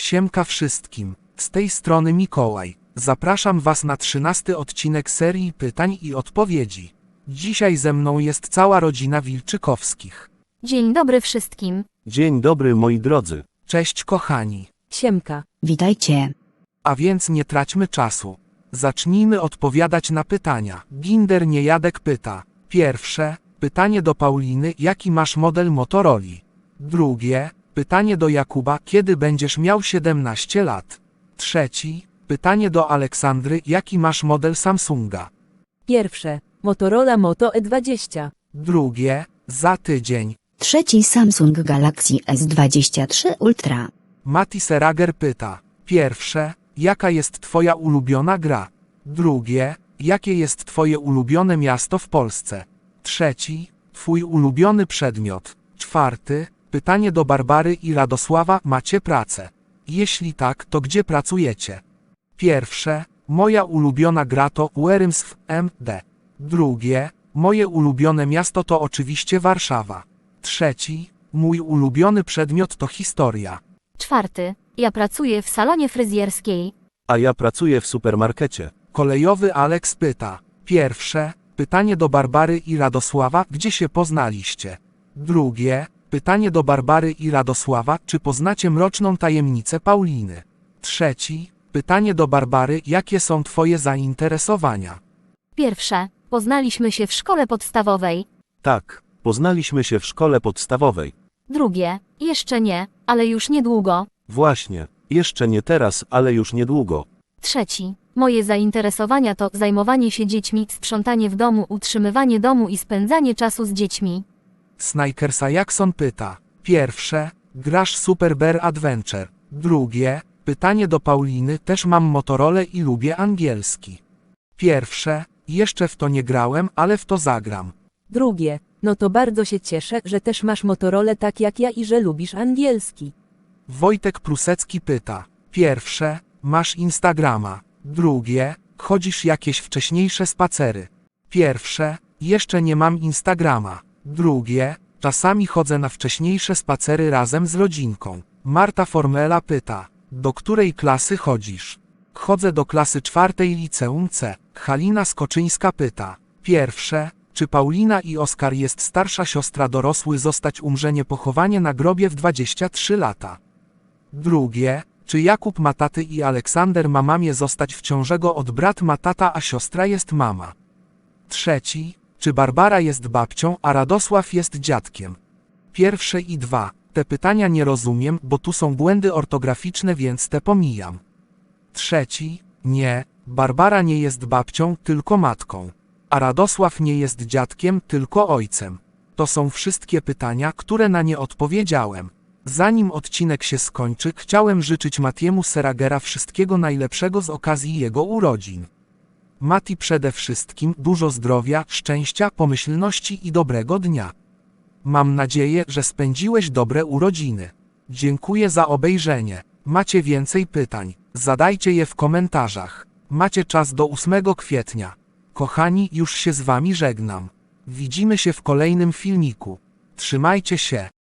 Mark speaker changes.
Speaker 1: Siemka wszystkim, z tej strony Mikołaj. Zapraszam Was na 13 odcinek serii pytań i odpowiedzi. Dzisiaj ze mną jest cała rodzina Wilczykowskich.
Speaker 2: Dzień dobry wszystkim.
Speaker 3: Dzień dobry moi drodzy.
Speaker 1: Cześć kochani.
Speaker 4: Siemka.
Speaker 5: Witajcie.
Speaker 1: A więc nie traćmy czasu. Zacznijmy odpowiadać na pytania. Ginder Niejadek pyta. Pierwsze, pytanie do Pauliny, jaki masz model Motorola? Drugie, pytanie do Jakuba, kiedy będziesz miał 17 lat? Trzeci, pytanie do Aleksandry, jaki masz model Samsunga?
Speaker 4: Pierwsze. Motorola Moto E20.
Speaker 1: Drugie, za tydzień.
Speaker 5: Trzeci Samsung Galaxy S23 Ultra.
Speaker 1: Mati Serager pyta. Pierwsze, jaka jest twoja ulubiona gra? Drugie, jakie jest twoje ulubione miasto w Polsce? Trzeci, twój ulubiony przedmiot. Czwarty, pytanie do Barbary i Radosława, macie pracę? Jeśli tak, to gdzie pracujecie? Pierwsze, moja ulubiona gra to Worms w MD. Drugie, moje ulubione miasto to oczywiście Warszawa. Trzeci, mój ulubiony przedmiot to historia.
Speaker 2: Czwarty, ja pracuję w salonie fryzjerskiej.
Speaker 3: A ja pracuję w supermarkecie.
Speaker 1: Kolejowy Aleks pyta. Pierwsze, pytanie do Barbary i Radosława, gdzie się poznaliście? Drugie, pytanie do Barbary i Radosława, czy poznacie mroczną tajemnicę Pauliny? Trzeci, pytanie do Barbary, jakie są twoje zainteresowania?
Speaker 2: Pierwsze, poznaliśmy się w szkole podstawowej.
Speaker 3: Tak, poznaliśmy się w szkole podstawowej.
Speaker 2: Drugie, jeszcze nie, ale już niedługo.
Speaker 3: Właśnie, jeszcze nie teraz, ale już niedługo.
Speaker 2: Trzeci, moje zainteresowania to zajmowanie się dziećmi, sprzątanie w domu, utrzymywanie domu i spędzanie czasu z dziećmi.
Speaker 1: Snikersa Jackson pyta. Pierwsze, grasz Super Bear Adventure. Drugie, pytanie do Pauliny, też mam Motorola i lubię angielski. Pierwsze, jeszcze w to nie grałem, ale w to zagram.
Speaker 4: Drugie. No to bardzo się cieszę, że też masz Motorola tak jak ja i że lubisz angielski.
Speaker 1: Wojtek Prusecki pyta. Pierwsze, masz Instagrama. Drugie, chodzisz jakieś wcześniejsze spacery. Pierwsze, jeszcze nie mam Instagrama. Drugie, czasami chodzę na wcześniejsze spacery razem z rodzinką. Marta Formela pyta. Do której klasy chodzisz? Chodzę do klasy 4 liceum C. Halina Skoczyńska pyta. Pierwsze, czy Paulina i Oskar jest starsza siostra dorosły zostać umrzenie pochowanie na grobie w 23 lata? Drugie, czy Jakub ma taty i Aleksander ma mamie zostać w ciążego od brat ma tata a siostra jest mama? Trzeci, czy Barbara jest babcią a Radosław jest dziadkiem? Pierwsze i dwa, te pytania nie rozumiem, bo tu są błędy ortograficzne, więc te pomijam. Trzeci, nie, Barbara nie jest babcią, tylko matką. A Radosław nie jest dziadkiem, tylko ojcem. To są wszystkie pytania, które na nie odpowiedziałem. Zanim odcinek się skończy, chciałem życzyć Matiemu Seragera wszystkiego najlepszego z okazji jego urodzin. Mati, przede wszystkim dużo zdrowia, szczęścia, pomyślności i dobrego dnia. Mam nadzieję, że spędziłeś dobre urodziny. Dziękuję za obejrzenie. Macie więcej pytań? Zadajcie je w komentarzach. Macie czas do 8 kwietnia. Kochani, już się z wami żegnam. Widzimy się w kolejnym filmiku. Trzymajcie się.